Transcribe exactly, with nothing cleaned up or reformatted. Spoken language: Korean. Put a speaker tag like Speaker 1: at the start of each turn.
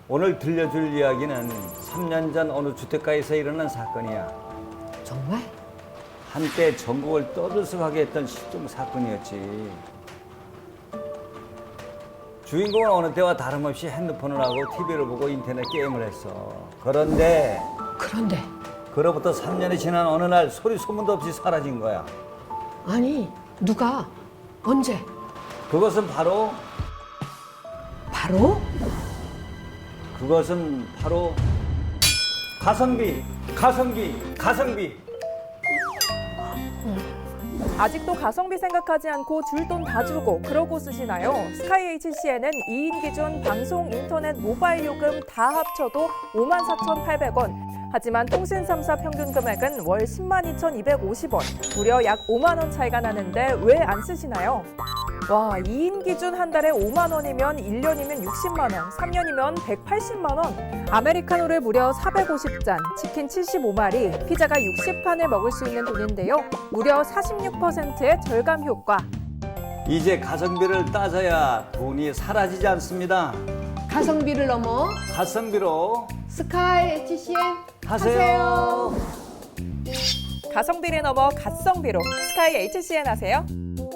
Speaker 1: 오늘 들려줄 이야기는 삼 년 전 어느 주택가에서 일어난 사건이야.
Speaker 2: 정말?
Speaker 1: 한때 전국을 떠들썩하게 했던 실종 사건이었지. 주인공은 어느 때와 다름없이 핸드폰을 하고 티비를 보고 인터넷 게임을 했어. 그런데
Speaker 2: 그런데
Speaker 1: 그로부터 삼 년이 지난 어느 날 소리 소문도 없이 사라진 거야.
Speaker 2: 아니 누가 언제?
Speaker 1: 그것은 바로
Speaker 2: 바로?
Speaker 1: 그것은 바로 가성비, 가성비, 가성비.
Speaker 3: 아직도 가성비 생각하지 않고 줄 돈 다 주고 그러고 쓰시나요? 스카이 에이치씨엔은 이 인 기준 방송, 인터넷, 모바일 요금 다 합쳐도 오만 사천팔백 원. 하지만 통신 삼 사 평균 금액은 월 십만 이천이백오십 원. 무려 약 오만 원 차이가 나는데 왜 안 쓰시나요? 와, 이 인 기준 한 달에 오만 원이면 일 년이면 육십만 원, 삼 년이면 백팔십만 원. 아메리카노를 무려 사백오십 잔, 치킨 칠십오 마리, 피자가 육십 판을 먹을 수 있는 돈인데요. 무려 사십육 퍼센트의 절감 효과.
Speaker 1: 이제 가성비를 따져야 돈이 사라지지 않습니다.
Speaker 2: 가성비를 넘어
Speaker 1: 가성비로
Speaker 2: 스카이 에이치씨엔
Speaker 1: 하세요.
Speaker 3: 가성비를 넘어 갓성비로 스카이 에이치씨엔 하세요.